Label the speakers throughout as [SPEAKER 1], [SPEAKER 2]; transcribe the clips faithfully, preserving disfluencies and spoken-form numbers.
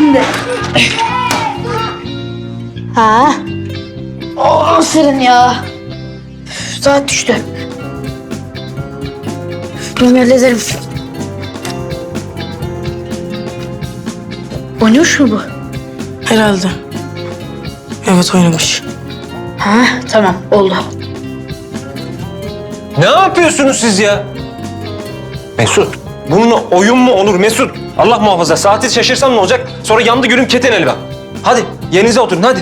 [SPEAKER 1] şimdi. Ha? Oh serin ya. Üf, saat düştü. Ben hallederim. Oynuyor mu bu?
[SPEAKER 2] Herhalde. Evet oynamış.
[SPEAKER 1] Ha tamam oldu.
[SPEAKER 3] Ne yapıyorsunuz siz ya? Mesut, bununla oyun mu olur Mesut? Allah muhafaza, saati şaşırsam ne olacak? Sonra yandı gülüm keteneli bak. Hadi, yerinize oturun hadi.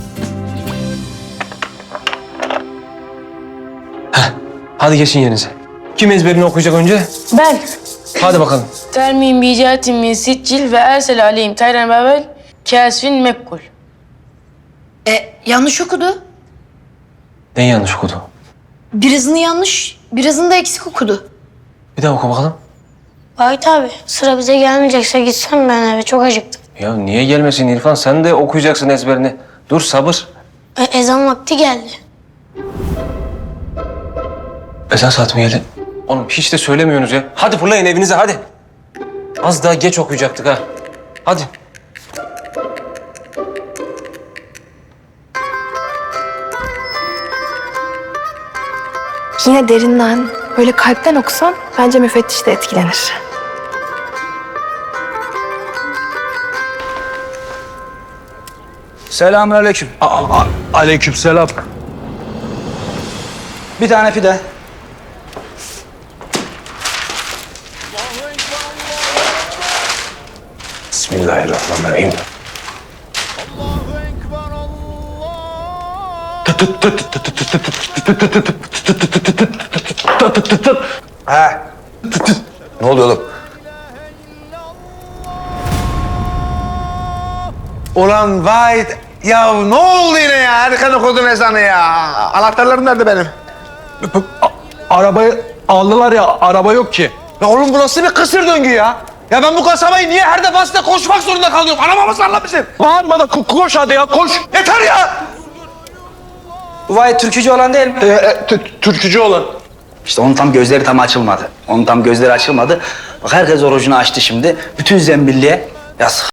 [SPEAKER 3] Heh, hadi geçin yerinize. Kim ezberini okuyacak önce?
[SPEAKER 2] Ben.
[SPEAKER 3] Hadi bakalım.
[SPEAKER 2] Termin bicatin min siccil ve ersel aleyhim tayran babel kasvin mekkul.
[SPEAKER 1] E yanlış okudu.
[SPEAKER 3] Neyi yanlış okudu?
[SPEAKER 1] Birazını yanlış, birazını da eksik okudu.
[SPEAKER 3] Bir daha oku bakalım.
[SPEAKER 4] Vahit abi sıra bize gelmeyecekse gitsem ben eve çok acıktım.
[SPEAKER 3] Ya niye gelmesin İrfan? Sen de okuyacaksın ezberini. Dur sabır.
[SPEAKER 4] E, ezan vakti geldi.
[SPEAKER 3] Ezan saati mi geldi? Oğlum hiç de söylemiyorsunuz ya. Hadi fırlayın evinize hadi. Az daha geç okuyacaktık ha. Hadi.
[SPEAKER 5] Yine derinden, böyle kalpten okusan bence müfettiş de etkilenir.
[SPEAKER 6] Selamünaleyküm.
[SPEAKER 7] Aleykümselam.
[SPEAKER 6] Bir tane pide.
[SPEAKER 7] Bismillahirrahmanirrahim.
[SPEAKER 6] He.
[SPEAKER 7] Ne oluyor oğlum?
[SPEAKER 8] Ulan vay ya ne oldu yine ya? Erken okudun ezanı ya. Anahtarlarım nerede benim?
[SPEAKER 7] Arabayı aldılar ya, araba yok ki.
[SPEAKER 8] Ya oğlum bu nasıl bir kısır döngü ya? Ya ben bu kasabayı niye her defasında koşmak zorunda kalıyorum? Arabamı sallamışım.
[SPEAKER 7] Bağırma da ko- koş hadi ya, koş.
[SPEAKER 8] Yeter ya!
[SPEAKER 6] Bu vay türkücü olan değil mi?
[SPEAKER 7] Ee, e, t- türkücü olan.
[SPEAKER 6] İşte onun tam gözleri tam açılmadı. Onun tam gözleri açılmadı. Bak herkes orucunu açtı şimdi. Bütün zembilliğe. Ya